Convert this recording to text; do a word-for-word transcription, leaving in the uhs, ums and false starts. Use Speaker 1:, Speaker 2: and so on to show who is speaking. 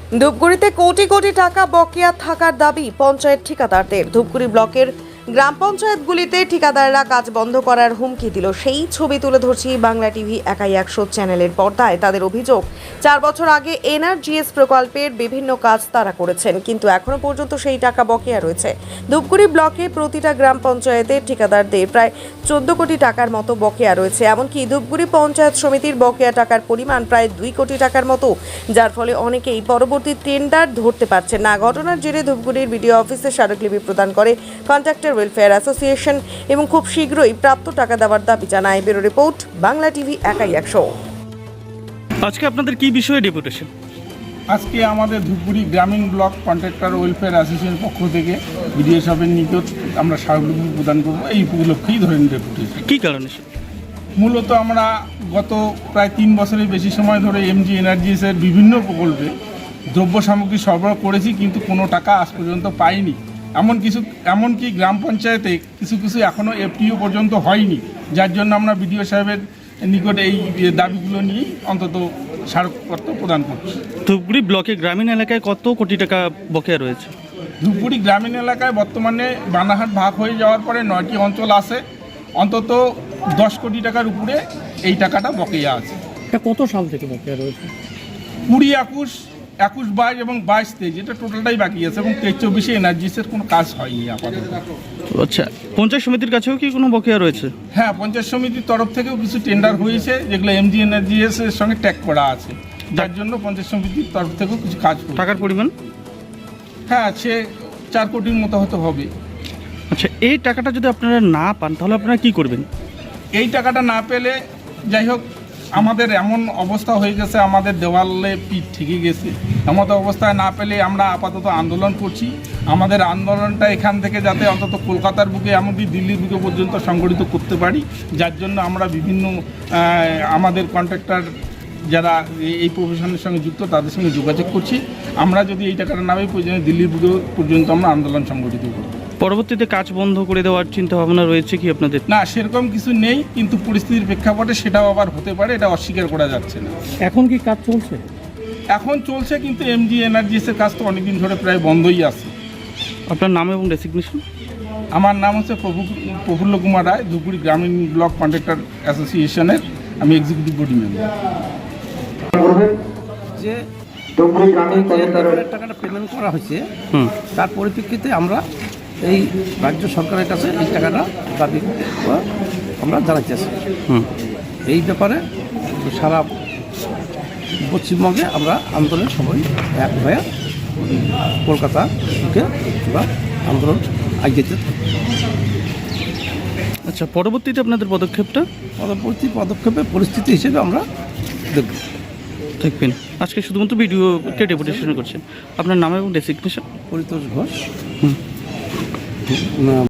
Speaker 1: ধূপগুড়িতে কোটি কোটি টাকা বকেয়া থাকার দাবি পঞ্চায়েত ঠিকাদারদের। ধূপগুড়ি ব্লকের গ্রাম পঞ্চায়েতগুলিতে ঠিকাদাররা কাজ বন্ধ করার হুমকি দিল। সেই ছবি তুলে ধরছি বাংলা টিভি একাই একশো চ্যানেলের পর্দায়। তাদের অভিযোগ, চার বছর আগে এনআরজিএস প্রকল্পের বিভিন্ন কাজ তারা করেছেন, কিন্তু এখনো পর্যন্ত সেই টাকা বকেয়া রয়েছে। ধূপগুড়ি ব্লকে প্রতিটা গ্রাম পঞ্চায়েতের ঠিকাদারদের প্রায় চোদ্দ কোটি টাকার মতো বকেয়া রয়েছে। এমনকি ধূপগুড়ি পঞ্চায়েত সমিতির বকেয়া টাকার পরিমাণ প্রায় দুই কোটি টাকার মতো, যার ফলে অনেকেই পরবর্তী টেন্ডার ধরতে পারছেন না। ঘটনার জেরে ধূপগুড়ির বিডিও অফিসে স্মারকলিপি প্রদান করে কন্ট্রাক্টর ওয়েলফেয়ার অ্যাসোসিয়েশন এবং খুব শীঘ্রই প্রাপ্ত টাকা দেওয়ার দাবি জানায়। ব্যুরো রিপোর্ট, বাংলা টিভি একাই একশো।
Speaker 2: আজকে আপনাদের কি বিষয়ে ডেপুটেশন?
Speaker 3: আজকে আমাদের ধূপগুড়ি গ্রামীণ ব্লক কন্ট্রাক্টর ওয়েলফেয়ার অ্যাসোসিয়েশনের পক্ষ থেকে বিডিও সাহেবের নিকট আমরা স্মারকলিপি প্রদান করবো। এই উপলক্ষেই ধরেন ডেপুটেশন।
Speaker 2: কী কারণে?
Speaker 3: মূলত আমরা গত প্রায় তিন বছরের বেশি সময় ধরে এমজি এনার্জিসের বিভিন্ন প্রকল্পে দ্রব্য সামগ্রী সরবরাহ করেছি, কিন্তু কোনো টাকা আজ পর্যন্ত পাইনি। এমন কিছু এমনকি গ্রাম পঞ্চায়েতে কিছু কিছু এখনও এফটিও পর্যন্ত হয়নি, যার জন্য আমরা বিডিও সাহেবের নিকট এই দাবিগুলো নিয়ে অন্তত স্মারকপত্র প্রদান করছি।
Speaker 2: ধূপগুড়ি ব্লকে গ্রামীণ এলাকায় কত কোটি টাকা বকেয়া রয়েছে?
Speaker 3: ধূপগুড়ি গ্রামীণ এলাকায় বর্তমানে বানাহাট ভাগ হয়ে যাওয়ার পরে নয়টি অঞ্চল আছে, অন্তত দশ কোটি টাকার উপরে এই টাকাটা বকেয়া আছে।
Speaker 4: এটা কত সাল থেকে বকেয়া রয়েছে?
Speaker 3: কুড়ি একুশ একুশ বাইশ এবং বাইশ তেইশ এটা টোটালটাই বাকি আছে, এবং তেইশ চব্বিশে এনার্জিসের কোনো কাজ হয়নি আপাতত।
Speaker 2: আচ্ছা, পঞ্চায়েত সমিতির কাছেও কি কোনো বকেয়া রয়েছে?
Speaker 3: হ্যাঁ, পঞ্চায়েত সমিতির তরফ থেকেও কিছু টেন্ডার হয়েছে, যেগুলো এমজি এনার্জিএস এর সঙ্গে ট্যাগ করা আছে, যার জন্য পঞ্চায়েত সমিতির তরফ থেকেও কিছু কাজ হয়েছে।
Speaker 2: টাকার পরিমাণ?
Speaker 3: হ্যাঁ, সে চার কোটির মতো হয়তো হবে।
Speaker 2: আচ্ছা, এই টাকাটা যদি আপনারা না পান তাহলে আপনারা কি করবেন?
Speaker 3: এই টাকাটা না পেলে, যাই হোক, আমাদের এমন অবস্থা হয়ে গেছে, আমাদের দেওয়ালে পিঠ ঠেকে গেছে। এমন অবস্থায় না পেলে আমরা আপাতত আন্দোলন করছি। আমাদের আন্দোলনটা এখান থেকে যাতে অন্তত কলকাতার বুকে, এমনকি দিল্লির বুকে পর্যন্ত সংগঠিত করতে পারি, যার জন্য আমরা বিভিন্ন আমাদের কন্ট্রাক্টর যারা এই প্রফেশনের সঙ্গে যুক্ত তাদের সঙ্গে যোগাযোগ করছি। আমরা যদি এই টাকাটা না পাই, প্রয়োজনে দিল্লির বুকে পর্যন্ত আমরা আন্দোলন সংগঠিত করি।
Speaker 2: পরবর্তীতে কাজ বন্ধ করে দেওয়ার চিন্তা ভাবনা রয়েছে কি আপনাদের?
Speaker 3: না, সেরকম কিছু নেই, কিন্তু পরিস্থিতির প্রেক্ষাপটে সেটাও আবার হতে পারে, এটা অস্বীকার করা যাচ্ছে না।
Speaker 4: এখন কি কাজ চলছে?
Speaker 3: এখন চলছে, কিন্তু এমজি এনার্জিসের কাজ তো অনেকদিন ধরে প্রায় বন্ধই আছে।
Speaker 2: আপনার নাম এবং ডেসিগনেশন?
Speaker 3: আমার নাম হচ্ছে প্রভু প্রফুল্ল কুমার রায়, ধূপগুড়ি গ্রামীণ ব্লক কন্ট্রাক্টর অ্যাসোসিয়েশনের আমি এক্সিকিউটিভ বডি মেম্বার।
Speaker 5: যে টাকাটা পেমেন্ট করা হয়েছে, তার পরিপ্রেক্ষিতে আমরা এই রাজ্য সরকারের কাছে এই টাকাটা দাবি আমরা জানাচ্ছি। এই ব্যাপারে সারা পশ্চিমবঙ্গে আমরা আন্দোলন সবাই এক হয়ে কলকাতা থেকে আমরা আন্দোলন এগিয়ে।
Speaker 2: আচ্ছা, পরবর্তীতে আপনাদের পদক্ষেপটা?
Speaker 5: পরবর্তী পদক্ষেপে পরিস্থিতি হিসেবে আমরা দেখব।
Speaker 2: দেখবেন। আজকে শুধুমাত্র ভিডিওকে ডেপুটেশন করছেন। আপনার নাম এবং ডেসিগনেশন?
Speaker 5: পরিতোষ ঘোষ।
Speaker 2: হুম।